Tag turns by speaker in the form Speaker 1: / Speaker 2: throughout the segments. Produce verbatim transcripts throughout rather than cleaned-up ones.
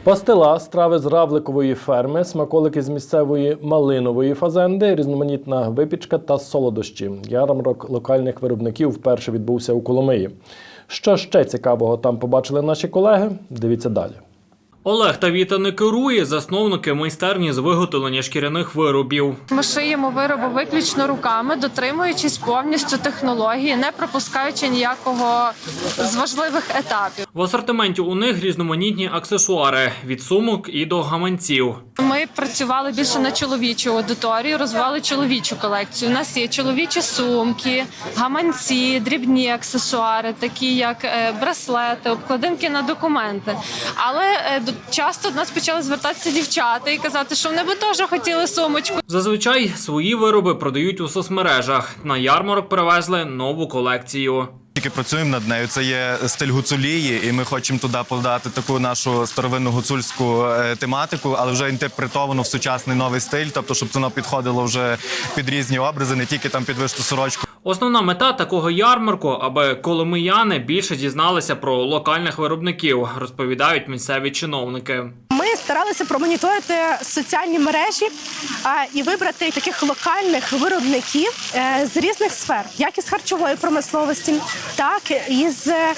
Speaker 1: Пастила, страви з равликової ферми, смаколики з місцевої малинової фазенди, різноманітна випічка та солодощі. Ярмарок локальних виробників вперше відбувся у Коломиї. Що ще цікавого там побачили наші колеги? Дивіться далі.
Speaker 2: Олег та Віта не керує, засновники майстерні з виготовлення шкіряних виробів.
Speaker 3: Ми шиємо вироби виключно руками, дотримуючись повністю технології, не пропускаючи ніякого з важливих етапів.
Speaker 2: В асортименті у них різноманітні аксесуари – від сумок і до гаманців.
Speaker 3: Ми працювали більше на чоловічу аудиторію, розвивали чоловічу колекцію. У нас є чоловічі сумки, гаманці, дрібні аксесуари, такі як браслети, обкладинки на документи. Але часто до нас почали звертатися дівчата і казати, що вони би теж хотіли сумочку.
Speaker 2: Зазвичай свої вироби продають у соцмережах. На ярмарок привезли нову колекцію.
Speaker 4: Тільки працюємо над нею. Це є стиль гуцулії, і ми хочемо туди подати таку нашу старовинну гуцульську тематику, але вже інтерпретовано в сучасний новий стиль, тобто щоб воно підходило вже під різні образи, не тільки там під вишиту сорочку.
Speaker 2: Основна мета такого ярмарку, аби коломияни більше дізналися про локальних виробників, розповідають місцеві чиновники.
Speaker 5: Ми старалися промоніторити соціальні мережі а, і вибрати таких локальних виробників е, з різних сфер, як із харчової промисловості, так і з е,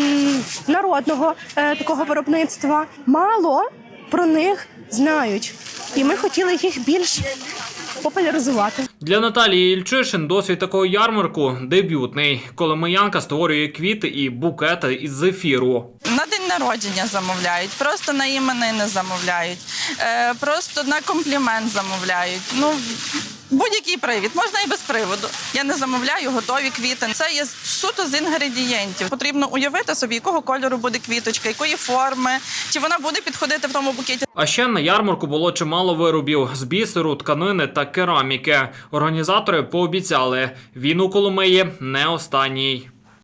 Speaker 5: народного е, такого виробництва. Мало про них знають, і ми хотіли їх більш популяризувати.
Speaker 2: Для Наталії Ільчишин досвід такого ярмарку дебютний. Коломиянка створює квіти і букети із зефіру.
Speaker 6: На день народження замовляють, просто на іменини замовляють, е, просто на комплімент замовляють. Ну, будь-який привід, можна і без приводу. Я не замовляю готові квіти. Це є суто з інгредієнтів. Потрібно уявити собі, якого кольору буде квіточка, якої форми, чи вона буде підходити в тому букеті.
Speaker 2: А ще на ярмарку було чимало виробів з бісеру, тканини та кераміки. Організатори пообіцяли, він у Коломиї не останній.